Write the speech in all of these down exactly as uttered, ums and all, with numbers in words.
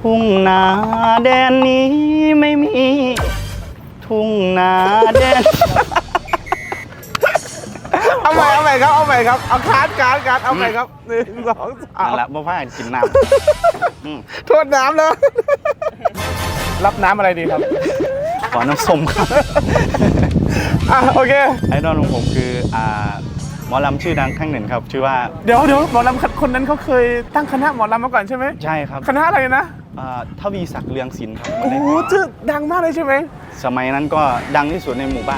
ทุ่งนาแดนนี้ไม่มีทุ่งนาแดนเอาใหม่เอาใหม่ครับเอาใหม่ครับเอาคัดคัดคัดเอาใหม่ครับหนึ่งสองสามนั่นแหละบ่พากันกินน้ำโทษน้ำเลยรับน้ำอะไรดีครับขอน้ำส้มครับอ่ะโอเคไอดอลของผมคืออ่าหมอลำชื่อดังข้างหนึ่งครับชื่อว่าเดี๋ยวเดี๋ยวหมอลำคนนั้นเขาเคยตั้งคณะหมอลำมาก่อนใช่ไหมใช่ครับคณะอะไรนะอ่าทวีศักดิ์เรืองศิลป์ครับโอ้โหชื่อดังมากเลยใช่ไหมสมัยนั้นก็ดังที่สุดในหมู่บ้าน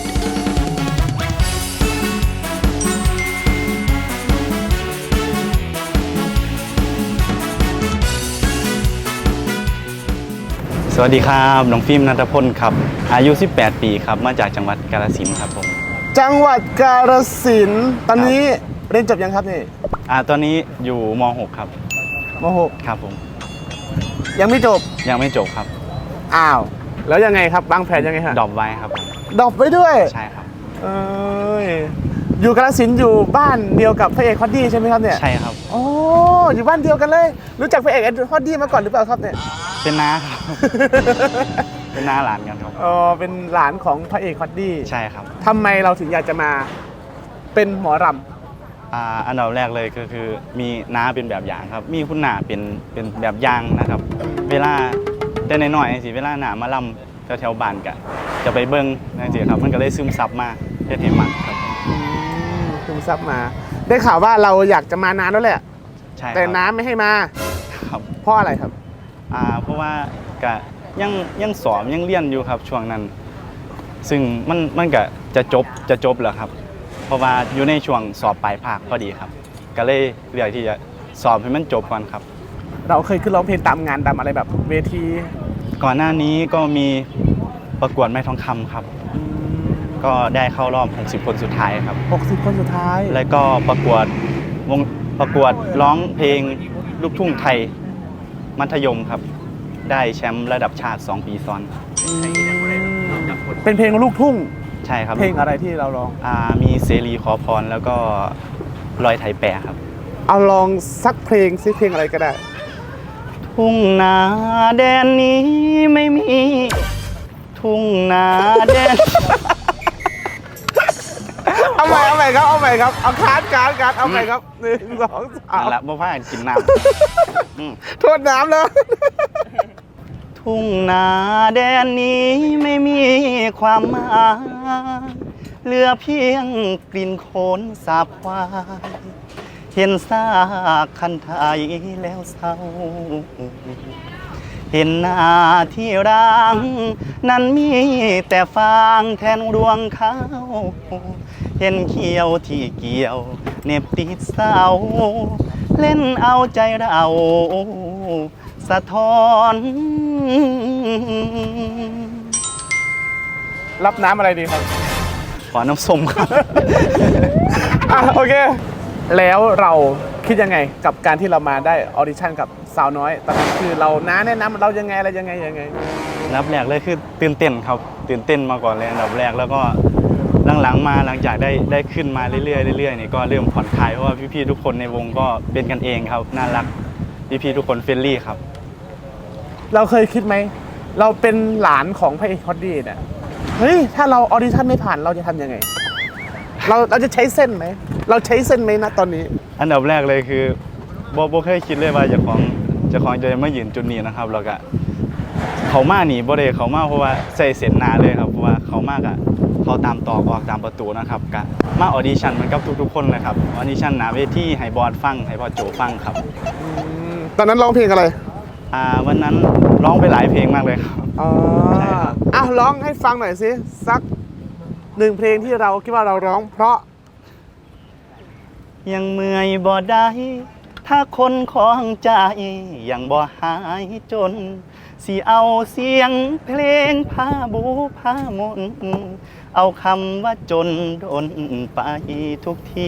สวัสดีครับน้องฟิล์มณัฐพลครับอายุสิบแปดปีครับมาจากจังหวัดกาฬสินธุ์ครับผมจังหวัดกาฬสินธุ์ตอนนี้เรียนจบยังครับนี่อ่าตอนนี้อยู่ม หก ครับม หกครับผมยังไม่จบยังไม่จบครับอ้าวแล้วยังไงครับวางแผนยังไงฮะดรอปไว้ครับดรอปไว้ด้วยใช่ครับเอ้ยอยู่กาฬสินธุ์อยู่บ้านเดียวกับพระเอกฮอตดี้ใช่ไหมครับเนี่ยใช่ครับโอ้อยู่บ้านเดียวกันเลยรู้จักพระเอกฮอตดี้มาก่อนหรือเปล่าครับเนี่ยเป็นน้าครับ เป็นน้าหลานกันครับอ๋อเป็นหลานของพระเอกฮอตดี้ใช่ครับทำไมเราถึงอยากจะมาเป็นหมอรำอ่าอันดับแรกเลยก็คือมีน้าเป็นแบบอย่างครับมีคุณหน้าเป็นเป็นแบบอย่างนะครับเวลาแต่น้อยๆสิเวลาหน้ามาลำแถวๆบ้านกะจะไปเบิ้งนั่นสิครับมันก็เลยซึมซับมาเฮ็ดให้มันครับซึมซับมาได้ข่าวว่าเราอยากจะมานานแล้วแหละใช่แต่น้าไม่ให้มาครับเพราะอะไรครับอ่าเพราะว่ากะยังยังสอบยังเรียนอยู่ครับช่วงนั้นซึ่งมันมันก็จะจบจะจบแล้วครับเพราะว่าอยู่ในช่วงสอบปลายภาคพอดีครับก็เลยเลือกที่จะสอบให้มันจบก่อนครับเราเคยขึ้นร้องเพลงตามงานตามอะไรแบบเวทีก่อนหน้านี้ก็มีประกวดไม้ทองคำครับก็ได้เข้ารอบหกสิบคนสุดท้ายครับหกสิบคนสุดท้ายแล้วก็ประกวดวงประกวดร้องเพลงลูกทุ่งไทยมัธยมครับได้แชมป์ระดับชาติสองปีซ้อนเป็นเพลงลูกทุ่งใช่ครับเพลงอะไรที่เราร้องอ่ามีเสรีขอพรแล้วก็ลอยไทยแปรครับเอาลองสักเพลงซิเพลงอะไรก็ได้ทุ่งนาแดนนี้ไม่มีทุ่งนาแดนเอาใหม่เอาใหม่ครับเอาใหม่ครับเอาคัดคัดคัดเอาใหม่ครับหนึ่งสองสามนั่นแหละบ่พากันกินน้ำโทษน้ำเลยทุ่งนาแดนนี้ไม่มีความหมายเหลือเพียงกลิ่นโคลนสาบควายเห็นซากคันไทยแล้วเศร้าเห็นหน้าที่ร้างนั้นมีแต่ฟางแทนดวงข้าวเห็นเขียวที่เกี่ยวเน็บติดเสาเล่นเอาใจเราสะท้อนรับน้ำอะไรดีครับขอน้ำส้มครับอ่ะโอเคแล้วเราคิดยังไงกับการที่เรามาได้ออดิชั่นกับสาวน้อยตอนนั้นคือเราน้าแนะนำเรายังไงอะไรยังไงยังไงนับแรกเลยคือตื่นเต้นครับตื่นเต้นมาก่อนเลยอันดับแรกแล้วก็หลังๆมาหลังจากได้ได้ขึ้นมาเรื่อยๆเรื่อยๆนี่ก็เริ่มผ่อนคลายเพราะว่าพี่ๆทุกคนในวงก็เป็นกันเองครับน่ารักพี่ๆทุกคนเฟรนลี่ครับเราเคยคิดไหมเราเป็นหลานของพระเอกฮอตดี้เนี่ยเฮ้ยถ้าเราออดิชั่นไม่ผ่านเราจะทำยังไงเราเราจะใช้เส้นไหมเราใช้เส้นไหมนะตอนนี้อันดับแรกเลยคือโบโบเคยคิดเลยว่าจะของจะของจะมายืนจุดนี้นะครับแล้วก็เขามาหนีโบเดเขามาเพราะว่าใส่เส้นหนาเลยครับเพราะว่าเขามากอะเขาตามตอกออกตามประตูนะครับกะมาออดิชั่นเหมือนกับทุกๆคนเลยครับออดิชั่นหนาเวทีให้บอสฟังให้พ่อโจฟังครับตอนนั้นร้องเพลงอะไรอ่าวันนั้นร้องไปหลายเพลงมากเลยครับอ๋อใช่ครับอ้าวร้องให้ฟังหน่อยสิสักหนึ่งเพลงที่เราคิดว่าเราร้องเพราะยังเมื่อยบ่ได้ถ้าคนของใจยังบ่หายจนสิเอาเสียงเพลงพาบูพามนเอาคำว่าจนโดนไปทุกที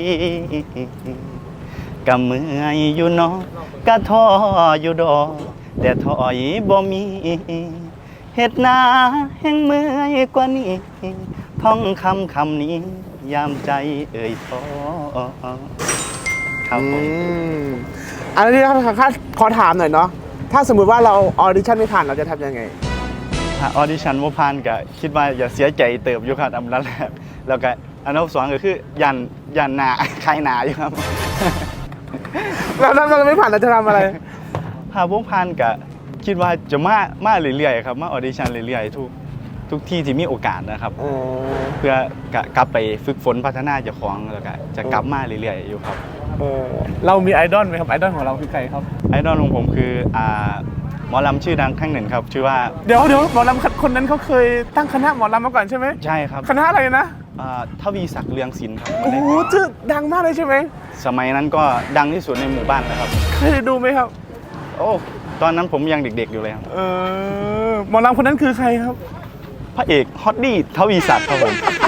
กะเมื่อยอยู่เนาะกะท้ออยู่ดอกแต่ถอยบ่มีเฮ็ดนาแห่งเมื่อยกว่านี้ท่องคำคำนี้ยามใจเอ่ยท้อครับผมอันนี้ขอถามหน่อยเนาะถ้าสมมุติว่าเราออดิชั่นไม่ผ่านเราจะทำยังไงถ้าออดิชั่นบ่ผ่านก็คิดว่าอย่าเสียใจเติบอยู่ครับอันดับแรกแล้วก็อันดับสองก็คือยันยันหนา คลายหนาอยู่ครับแล้วถ้าเราไม่ผ่านเราจะทำอะไรถ้าบ่ผ่านก็คิดว่าจะมามาเรื่อยๆครับมาออดิชั่นเรื่อยๆทุกทุกที่ที่มีโอกาสนะครับเออเพื่อกะกลับไปฝึกฝนพัฒนาเจ้าของแล้วก็จะกลับมาเรื่อยๆอยู่ครับเออเรามีไอดอลไหมครับไอดอลของเราคือใครครับไอดอลของผมคืออ่าหมอลำชื่อดังท่านหนึ่งครับชื่อว่าเดี๋ยวเดี๋ยวหมอลำคนนั้นเขาเคยตั้งคณะหมอลำมาก่อนใช่ไหมใช่ครับคณะอะไรนะอ่าทวีศักดิ์เรืองศิลป์ครับโอ้โหชื่อดังมากเลยใช่ไหมสมัยนั้นก็ดังที่สุดในหมู่บ้านเลยครับเคยดูไหมครับโอ้ตอนนั้นผมยังเด็กๆอยู่เลยครับเออหมอลำคนนั้นคือใครครับพระเอกฮอตดี้ทวีศักดิ์ครับผม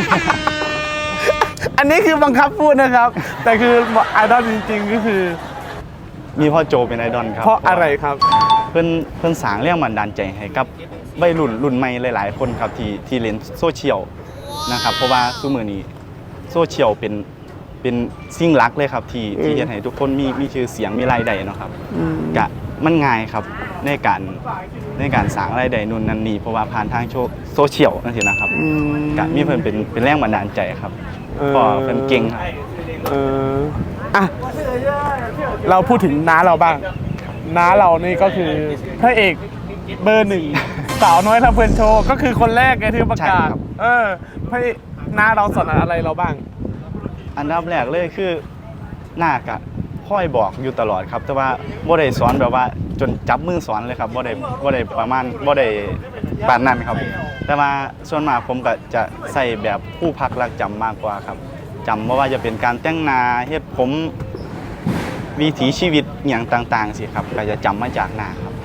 อันนี้คือบังคับพูดนะครับ แต่คือไอดอลจริงๆก็คือมีพ่อโจเป็นไอดอลครับเพราะอะไรครับเพิ่นเพิ่นสร้างแรงบันดาลใจให้กับวัยรุ่นรุ่นใหม่หลายๆ คนครับที่ที่เล่นโซเชียลนะครับเพราะว่าซุมื้อนี้โซเชียลเป็นเป็นสิ่งหลักเลยครับที่ที่เฮ็ดให้ทุกคนมีมีชื่อเสียงมีรายได้เนาะครับอืมกะมันง่ายครับในการในการสร้างรายได้นู่นนั่นนี่เพราะว่าผ่านทางโซเชียลนั่นสินะครับอืมกะมีเพิ่นเป็นเป็นแรงบันดาลใจครับเออพอเพิ่นเก่งครับเอออ่ะเราพูดถึงน้าเราบ้าง น้าเรานี่ก็คือพระเอกเบอร์หนึ่ง สาวน้อยทำเพลินโชว์ก็คือคนแรกไงที่ประกาศใช่ครับเออพระเอกน้าเราสอนอะไรเราบ้างอันดับแรกเลยคือหน้ากะค่อยบอกอยู่ตลอดครับ แต่ว่าบ่ได้สอนแบบว่าจนจับมือสอนเลยครับบ่ได้บ่ได้ประมาณบ่ได้ปานนั้นครับ แต่ว่าส่วนมากผมก็จะใส่แบบผู้พักรักจำมากกว่าครับจำบ่ว่าจะเป็นการแต่งหน้าเฮ็ดผมวิถีชีวิตอหย่างต่างๆสิครับก็จะจำมาจากหน้าครับ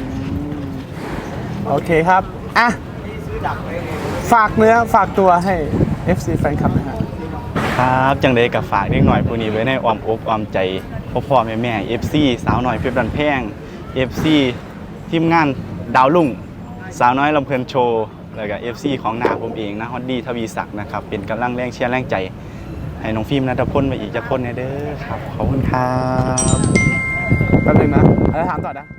โอเคครับ อ่ะ ฝากเนื้อฝากตัวให้ เอฟ ซี แฟนคลับนะฮะครับจังใดกับฝากเด็กหน่อยผู้นี้ไว้ในอ้อมอกอ้อมใจพ่อพ่อแม่แม่ เอฟ ซี สาวน้อยเพชรบันแพง เอฟ ซี ทีมงานดาวลุ่งสาวน้อยลำเพลินโชว์แล้วก็ เอฟ ซี ของหนาผมเองนะฮอตดี้ทวีศักดิ์นะครับเป็นกำลังแรงเชียร์แรงใจ ให้น้องฟิล์มนัทพลมาอีกจะคนแน่เด้อครับขอบคุณครับแป๊บนึงนะอะไรถามต่อนะ